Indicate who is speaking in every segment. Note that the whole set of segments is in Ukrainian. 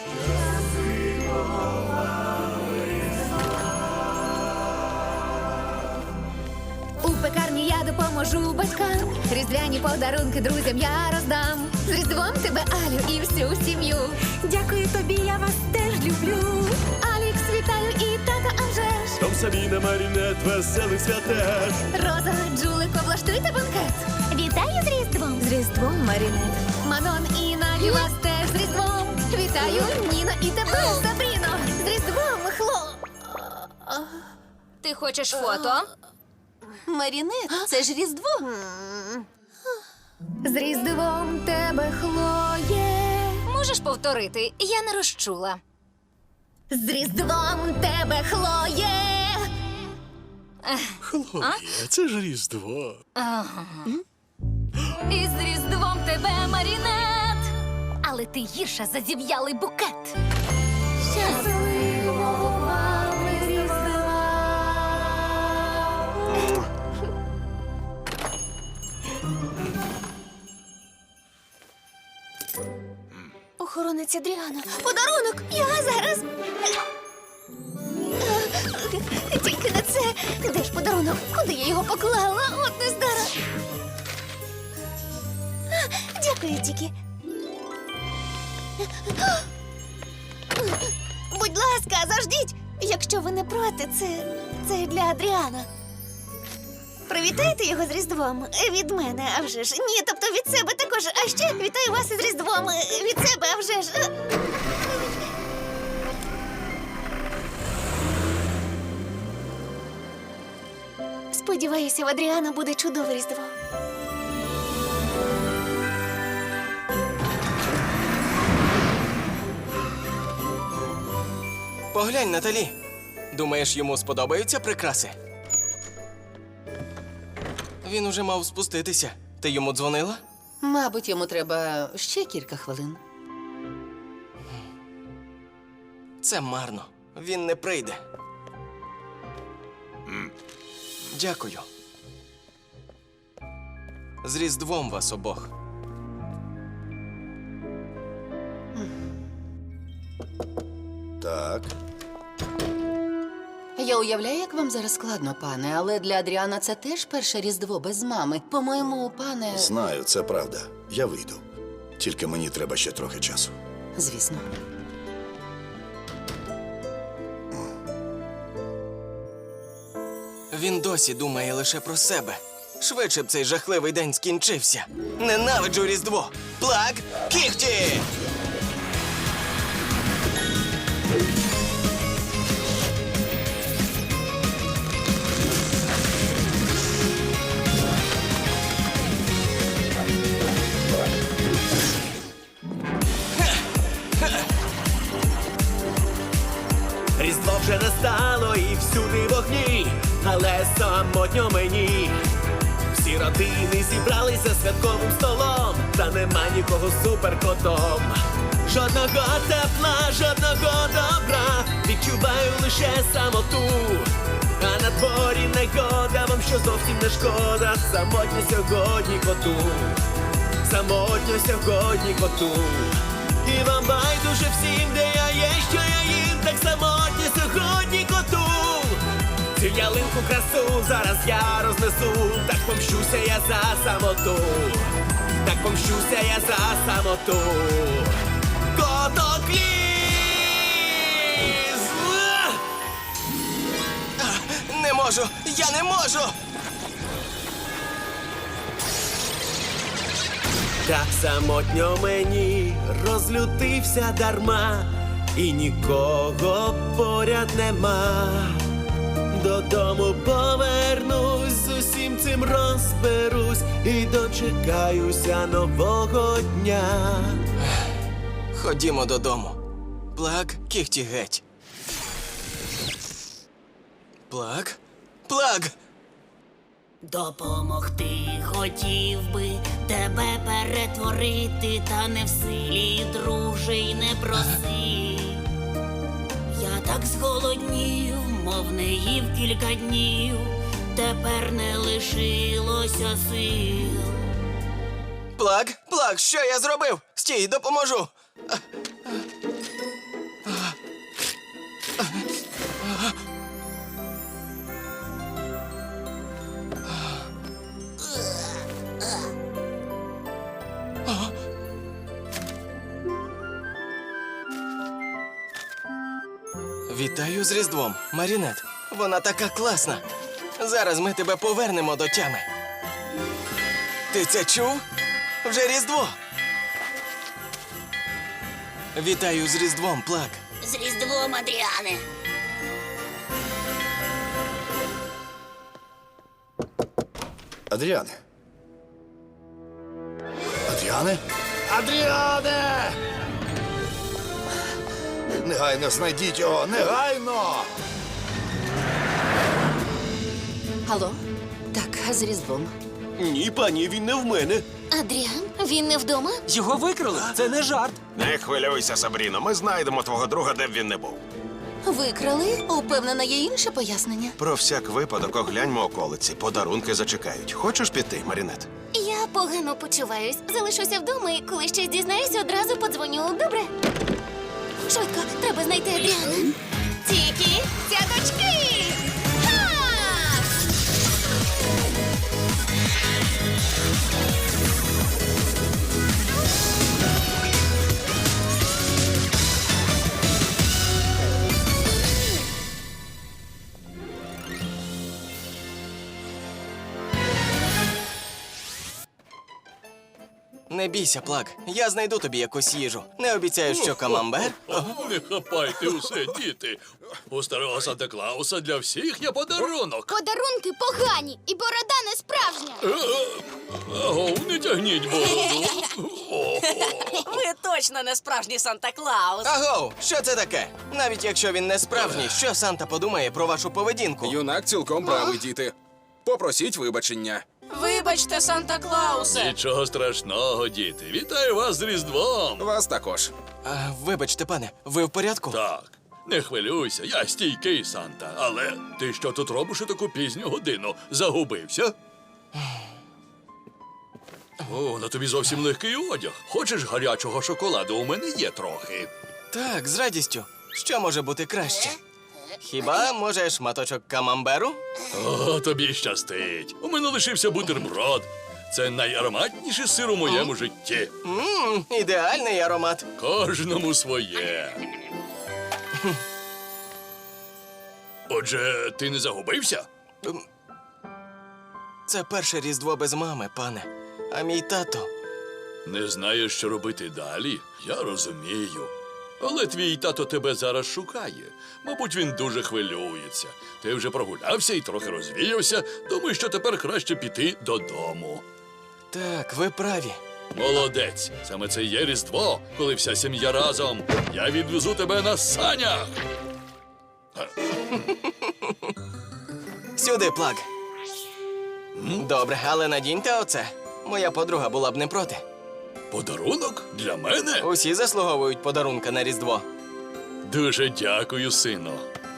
Speaker 1: У пекарні я допоможу батькам. Різдвяні подарунки друзям я роздам. З Різдвом тебе, Алю, і всю сім'ю.
Speaker 2: Дякую тобі, я вас теж люблю.
Speaker 1: Алікс, вітаю і тата, а вже ж.
Speaker 3: Том Сабіна, Марінет, веселих свят теж.
Speaker 1: Роза, Джулико, влаштуйте банкет.
Speaker 2: Вітаю з Різдвом.
Speaker 1: З Різдвом, Марінет. Манон і Наді, вас теж з Різдвом. Вітаю, Ніно, і тебе, Сабріно. З Різдвом,
Speaker 4: Ти хочеш фото?
Speaker 2: Марінет, це ж Різдво.
Speaker 1: З Різдвом тебе, Хлоє.
Speaker 4: Можеш повторити? Я не розчула.
Speaker 1: З Різдвом тебе, Хлоє.
Speaker 3: Хлоя, це ж Різдво.
Speaker 4: І з Різдвом тебе, Марінет! Але ти гірша за зів'ялий букет.
Speaker 1: Щасливого вам Різдва.
Speaker 2: Охоронець Адріана.
Speaker 1: Подарунок! Я зараз. Тільки не це. Де ж подарунок? Куди я його поклала? От нездара. Дякую, Тікі. Будь ласка, заждіть. Якщо ви не проти, це для Адріана. Привітайте його з Різдвом. Від мене, а вже ж. Ні, тобто від себе також. А ще вітаю вас із Різдвом. Від себе, а вже ж. Сподіваюся, в Адріана буде чудове Різдво.
Speaker 5: Поглянь, Наталі. Думаєш, йому сподобаються прикраси? Він уже мав спуститися. Ти йому дзвонила?
Speaker 6: Мабуть, йому треба ще кілька хвилин.
Speaker 5: Це марно. Він не прийде. Дякую. З Різдвом вас обох.
Speaker 7: Так.
Speaker 6: Я уявляю, як вам зараз складно, пане, але для Адріана це теж перше Різдво без мами. По-моєму, пане...
Speaker 7: Знаю, це правда. Я вийду. Тільки мені треба ще трохи часу.
Speaker 6: Звісно.
Speaker 5: Він досі думає лише про себе. Швидше б цей жахливий день скінчився. Ненавиджу Різдво! Плак, кіхті!
Speaker 3: Різдво вже настало і всюди вогні, але самотньо мені. Всі родини зібралися святковим столом, та нема нікого суперкотом. Жодного тепла, жодного добра, відчуваю лише самоту. А на дворі негода, вам що зовсім не шкода. Самотньо сьогодні коту, самотньо сьогодні коту. І вам байдуже всім, де я є, що я їм, так самотньо сьогодні коту. Цю ялинку красу зараз я рознесу, так помщуся я за самоту, так помщуся я за самоту. Котокліз!
Speaker 5: Не можу! Я не можу!
Speaker 3: Так самотньо мені розлютився дарма, і нікого поряд нема. Додому повернусь, з усім цим розберусь і дочекаюся нового дня.
Speaker 5: Ходімо додому. Плак, кіхті геть. Плак? Плак!
Speaker 8: Допомогти хотів би тебе перетворити, та не в силі, друже, й не проси. Я так зголоднів, мов не їв кілька днів, тепер не лишилося сил.
Speaker 5: Плак, Плак, що я зробив? Стій, допоможу. Вітаю з Різдвом, Марінет. Вона така класна. Зараз ми тебе повернемо до тями. Ти це чув? Вже Різдво. Вітаю з Різдвом, Плак.
Speaker 8: З Різдвом, Адріане.
Speaker 7: Адріане. Адріане? Адріане! Негайно знайдіть його! Негайно!
Speaker 6: Алло? Так, а з Різдвом.
Speaker 3: Ні, пані, він не в мене.
Speaker 1: Адріан, він не вдома?
Speaker 9: Його викрали. Це не жарт.
Speaker 10: Не хвилюйся, Сабріно, ми знайдемо твого друга, де б він не був.
Speaker 6: Викрали? Упевнена, є інше пояснення.
Speaker 10: Про всяк випадок огляньмо околиці, подарунки зачекають. Хочеш піти, Марінет?
Speaker 1: Я погано почуваюсь. Залишуся вдома і коли щось дізнаюся, одразу подзвоню. Добре? Швидко, треба знайти Адріана. Тільки цяточки! Ха!
Speaker 5: Не бійся, Плак. Я знайду тобі якусь їжу. Не обіцяю, що камамбер.
Speaker 11: Не хапайте усе, діти. У старого Санта-Клауса для всіх є подарунок.
Speaker 1: Подарунки погані, і борода не справжня.
Speaker 11: Агов, не тягніть бороду.
Speaker 2: Ви точно не справжній Санта-Клаус.
Speaker 5: Агоу, що це таке? Навіть якщо він не справжній, що Санта подумає про вашу поведінку?
Speaker 9: Юнак цілком правий, діти. Попросіть вибачення.
Speaker 2: Вибачте, Санта-Клаусе.
Speaker 11: Нічого страшного, діти. Вітаю вас з Різдвом.
Speaker 9: Вас також.
Speaker 5: Вибачте, пане, ви в порядку?
Speaker 11: Так, не хвилюйся, я стійкий Санта. Але ти що тут робиш у таку пізню годину? Загубився? О, на тобі зовсім легкий одяг. Хочеш гарячого шоколаду? У мене є трохи.
Speaker 5: Так, з радістю. Що може бути краще? Хіба, може, шматочок камамберу?
Speaker 11: О, тобі щастить. У мене лишився бутерброд. Це найароматніший сир у моєму житті.
Speaker 5: Ідеальний аромат.
Speaker 11: Кожному своє. Отже, ти не загубився?
Speaker 5: Це перше Різдво без мами, пане. А мій тато.
Speaker 11: Не знаєш, що робити далі? Я розумію. Але твій тато тебе зараз шукає. Мабуть, він дуже хвилюється. Ти вже прогулявся і трохи розвіявся. Думаю, що тепер краще піти додому.
Speaker 5: Так, ви праві.
Speaker 11: Молодець. Саме це є Різдво, коли вся сім'я разом. Я відвезу тебе на санях.
Speaker 5: Сюди, Плак. Добре, але надіньте оце. Моя подруга була б не проти.
Speaker 11: Подарунок? Для мене?
Speaker 5: Усі заслуговують подарунка на Різдво.
Speaker 11: Дуже дякую, сину.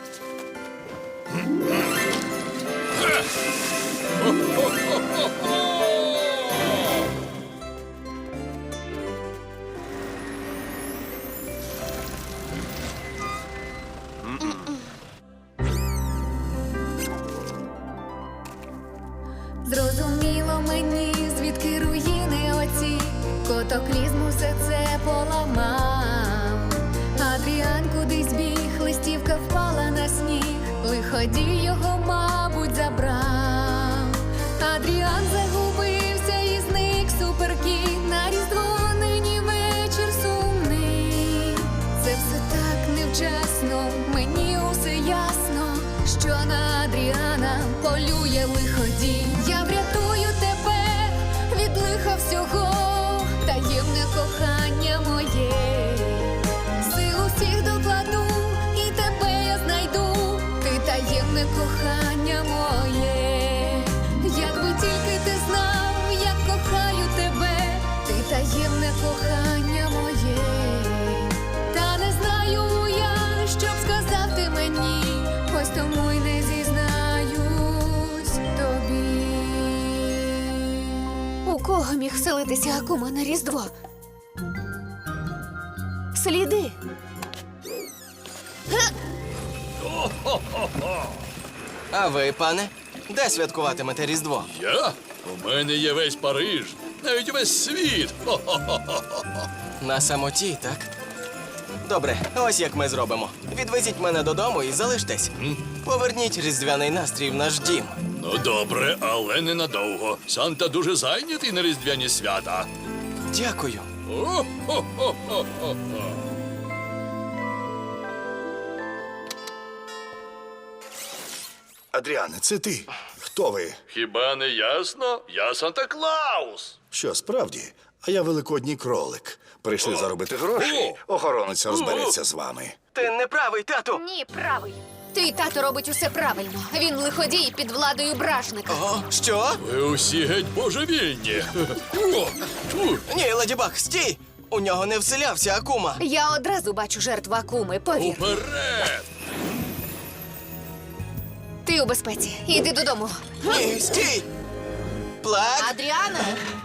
Speaker 4: Зрозуміло мені, звідки руїни оці, котоклізм усе це поламав. Адріан кудись біг, листівка впала на сніг, лиходій його, мабуть, забрав. Адріан загубився і зник суперкіт, на Різдво нині вечір сумний. Це все так невчасно, мені усе ясно, що на Адріана полює лиходій. Я врятую тебе від лиха всього, таємне кохання моє. Сил усіх докладу, і тебе я знайду, ти таємне кохання моє. Якби тільки ти знав, як кохаю тебе, ти таємне кохання моє. Та не знаю я, що б сказав ти мені, ось тому й не зізнаюсь тобі.
Speaker 1: У кого міг вселитися Акума на Різдво? Сліди.
Speaker 5: А ви, пане, де святкуватимете Різдво?
Speaker 11: Я? У мене є весь Париж, навіть весь світ. Хо-хо-хо-хо-хо.
Speaker 5: На самоті, так? Добре, ось як ми зробимо. Відвезіть мене додому і залиштесь. Поверніть різдвяний настрій в наш дім.
Speaker 11: Ну добре, але ненадовго. Санта дуже зайнятий на різдвяні свята.
Speaker 5: Дякую.
Speaker 11: О-хо-хо-хо-хо.
Speaker 7: Адріане, це ти. Хто ви?
Speaker 11: Хіба не ясно? Я Санта-Клаус.
Speaker 7: Що, справді? А я великодній кролик. Прийшли заробити гроші. Охоронець розбереться з вами.
Speaker 5: Ти не правий, тату.
Speaker 4: Ні, правий. Твій тато робить усе правильно. Він лиходій під владою бражника.
Speaker 5: О, що?
Speaker 11: Ви усі геть божевільні. О, тьфу.
Speaker 5: Ні, Леді Баг, стій! У нього не вселявся Акума.
Speaker 4: Я одразу бачу жертву Акуми, повір.
Speaker 11: Уперед!
Speaker 4: Ти у безпеці. Іди додому.
Speaker 5: Ні, стій! Плак!
Speaker 6: Адріана!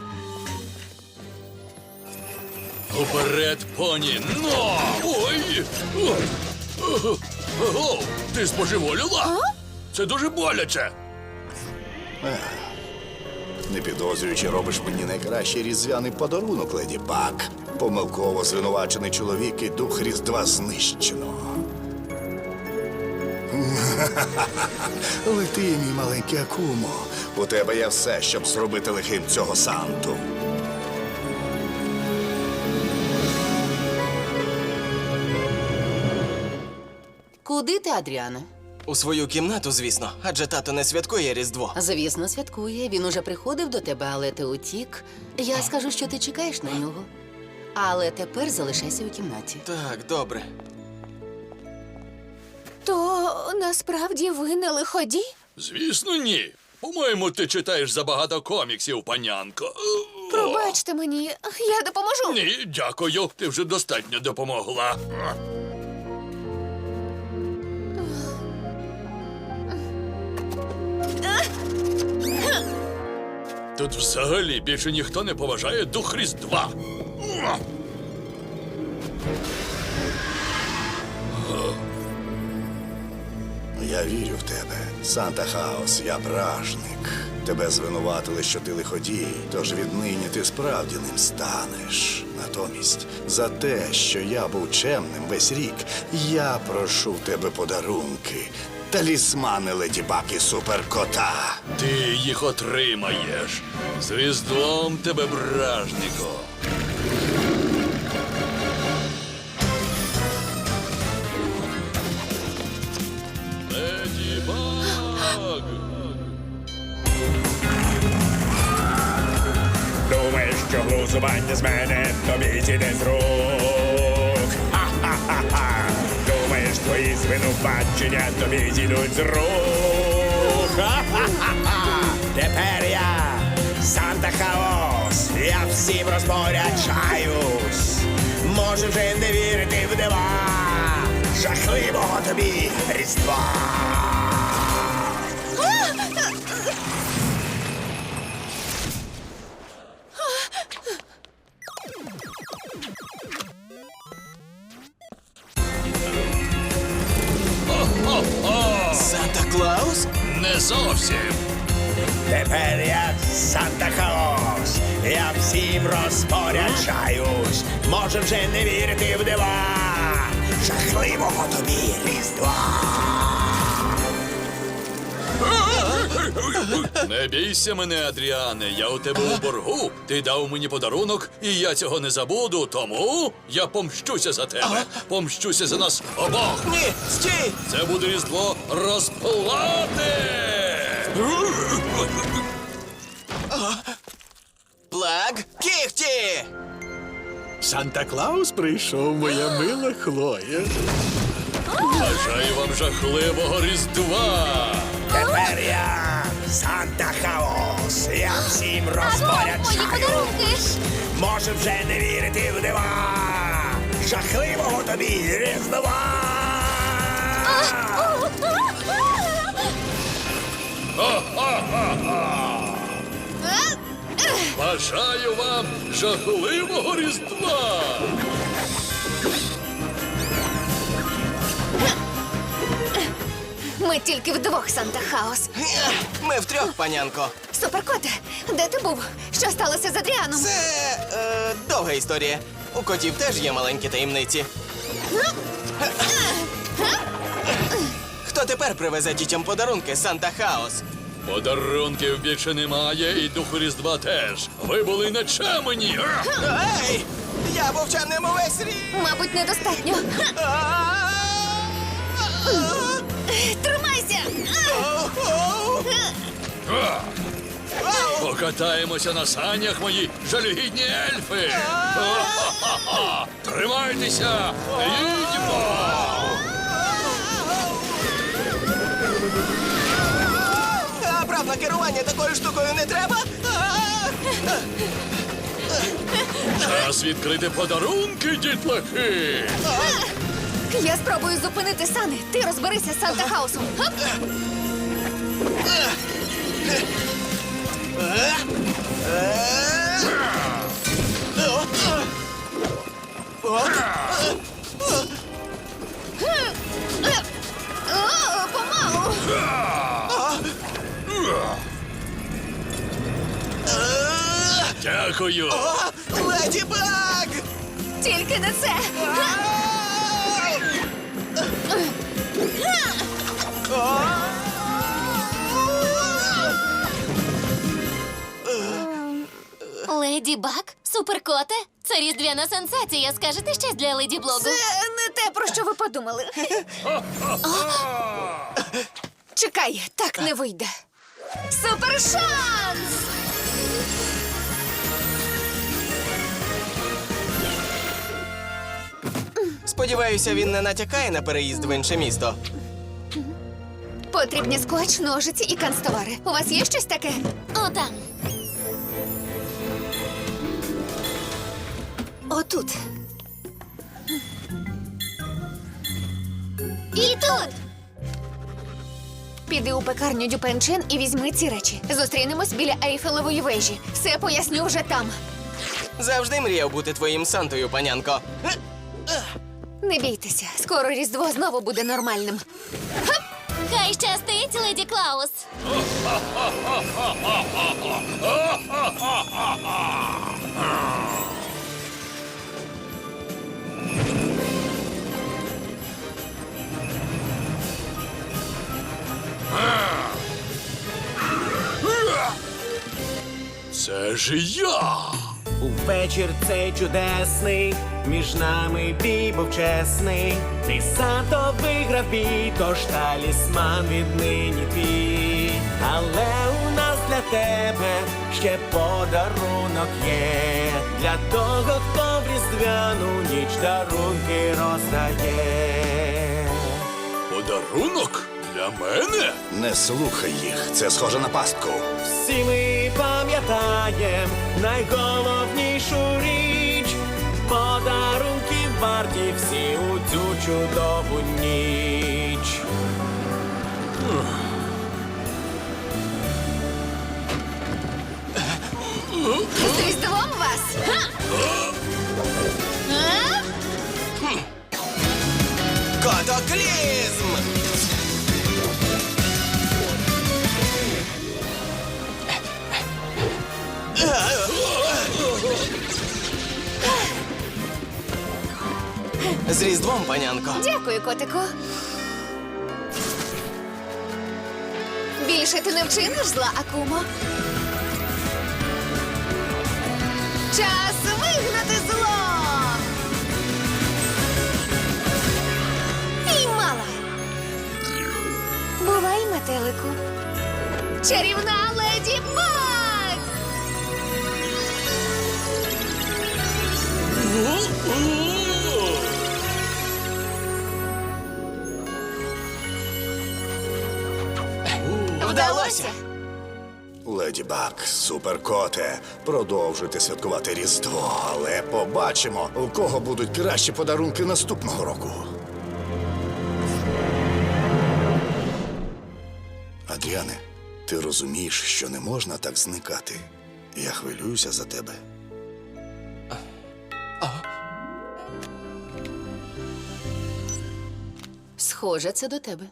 Speaker 11: Уперед, поні! Но! Ой! Ого! Ти збожеволіла? Це дуже боляче.
Speaker 7: Не підозрюючи, робиш мені найкращий різдвяний подарунок, Леді Баг. Помилково звинувачений чоловік і дух Різдва знищено. Лети, мій маленький Акумо. У тебе є все, щоб зробити лихим цього Санту.
Speaker 6: Куди ти, Адріане?
Speaker 5: У свою кімнату, звісно, адже тато не святкує Різдво.
Speaker 6: Звісно, святкує. Він уже приходив до тебе, але ти утік. Я скажу, що ти чекаєш на нього. Але тепер залишайся у кімнаті.
Speaker 5: Так, добре.
Speaker 4: То насправді ви не лиходій?
Speaker 11: Звісно, ні. По-моєму, ти читаєш забагато коміксів, панянко.
Speaker 4: Пробачте мені, я допоможу.
Speaker 11: Ні, дякую. Ти вже достатньо допомогла. Тут взагалі більше ніхто не поважає дух Різдва.
Speaker 7: Я вірю в тебе. Санта-Хаус, я бражник. Тебе звинуватили, що ти лиходій, тож віднині ти справді ним станеш. Натомість, за те, що я був чемним весь рік, я прошу в тебе подарунки. Талісмани Леді Баг і Суперкота.
Speaker 11: Ти їх отримаєш. З Різдвом тебе, бражнико. Леді Баг!
Speaker 12: Думаєш, що глузування з мене тобі зійде з рук. Ха-ха-ха-ха. Думаєш, твої звинувачення тобі зійдуть з рук. Ха-ха-ха-ха. Тепер я Санта-Хаус, я всім розпоряджаюсь. Може вже не вірити в дива жахливого тобі Різдва.
Speaker 5: Санта-Клаус?
Speaker 11: Не зовсім.
Speaker 12: Тепер я Санта-Хаус, я всім розпоряджаюсь. Може вже не вірити в дива жахливого тобі Різдва.
Speaker 11: Не бійся мене, Адріане, я у тебе у боргу. Ти дав мені подарунок, і я цього не забуду, тому я помщуся за тебе. Помщуся за нас обох.
Speaker 5: Ні, стій!
Speaker 11: Це буде Різдво розплати!
Speaker 5: Плак, кіхті!
Speaker 3: Санта-Клаус прийшов, моя мила Хлоя.
Speaker 11: Бажаю вам жахливого Різдва!
Speaker 12: Тепер я Санта-Хаус, я всім
Speaker 4: Мої
Speaker 12: розпоряджаюсь.
Speaker 4: подарунки!
Speaker 12: Може вже не вірити в дива жахливого тобі Різдва.
Speaker 11: Бажаю вам жахливого Різдва!
Speaker 4: Ми тільки вдвох, Санта-Хаус.
Speaker 5: Ми втрьох, панянко.
Speaker 4: Суперкоте, де ти був? Що сталося з Адріаном?
Speaker 5: Це довга історія. У котів теж є маленькі таємниці. Хто тепер привезе дітям подарунки Санта Хаос?
Speaker 11: Подарунків більше немає, і духу Різдва теж. Ви були нечемені.
Speaker 5: Ей! Я був чемним увесь рік!
Speaker 1: Мабуть, недостатньо. Тримайся!
Speaker 11: Покатаємося на санях, мої жалюгідні ельфи. Тримайтеся! Їдьмо!
Speaker 5: А прав на керування такою штукою не треба?
Speaker 11: Час відкрити подарунки, дітлахи!
Speaker 1: Я спробую зупинити сани. Ти розберися з Санта Хаусом. Гоп! О, помалу.
Speaker 11: Дякую!
Speaker 5: Леді Баг!
Speaker 1: Тільки не це.
Speaker 4: Леді Баг? Суперкоте? Це різдвяна сенсація. Скажете щось для Леді Блогу?
Speaker 1: Це не те, про що ви подумали. Чекай, так не вийде. Супершанс!
Speaker 5: Сподіваюся, він не натякає на переїзд в інше місто.
Speaker 1: Потрібні скотч, ножиці і канцтовари. У вас є щось таке?
Speaker 4: О, там.
Speaker 1: Отут.
Speaker 4: І тут.
Speaker 1: Піди у пекарню Дюпенчен і візьми ці речі. Зустрінемось біля Ейфелевої вежі. Все поясню вже там.
Speaker 5: Завжди мріяв бути твоїм Сантою, панянко.
Speaker 1: Не бійтеся, скоро Різдво знову буде нормальним.
Speaker 4: Хай щастить, Леді Клаус.
Speaker 11: Це ж я!
Speaker 3: У вечір цей чудесний, між нами бій був чесний. Ти Санто виграв бій, тож талісман віднині твій. Але у нас для тебе ще подарунок є. Для того, хто в різдвяну ніч дарунки роздає.
Speaker 11: Подарунок? Для мене?
Speaker 7: Не слухай їх, це схоже на пастку.
Speaker 3: Всі ми пам'ятаєм найголовнішу річ. Подарунки варті всі у цю чудову ніч.
Speaker 1: З Різдвом вас! Ха! А?
Speaker 5: Котоклізм! З Різдвом, панянко.
Speaker 1: Дякую, котику. Більше ти не вчиниш зла, Акумо. Час вигнати зло! Піймала! Бувай, метелику. Чарівна Леді Баг! Вдалося!
Speaker 7: Леді Баг, суперкоте, продовжуйте святкувати Різдво, але побачимо, у кого будуть кращі подарунки наступного року. Адріане, ти розумієш, що не можна так зникати. Я хвилююся за тебе.
Speaker 6: Схоже, це до тебе.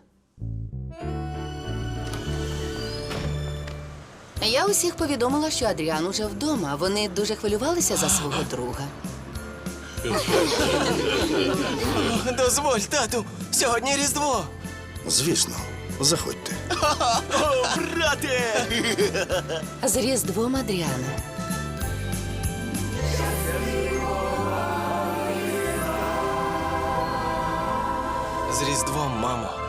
Speaker 6: Я усіх повідомила, що Адріан уже вдома. Вони дуже хвилювалися за свого друга.
Speaker 5: Дозволь, тату, сьогодні Різдво.
Speaker 7: Звісно, заходьте.
Speaker 3: О, брате!
Speaker 6: З Різдвом, Адріана.
Speaker 5: З Різдвом, мамо.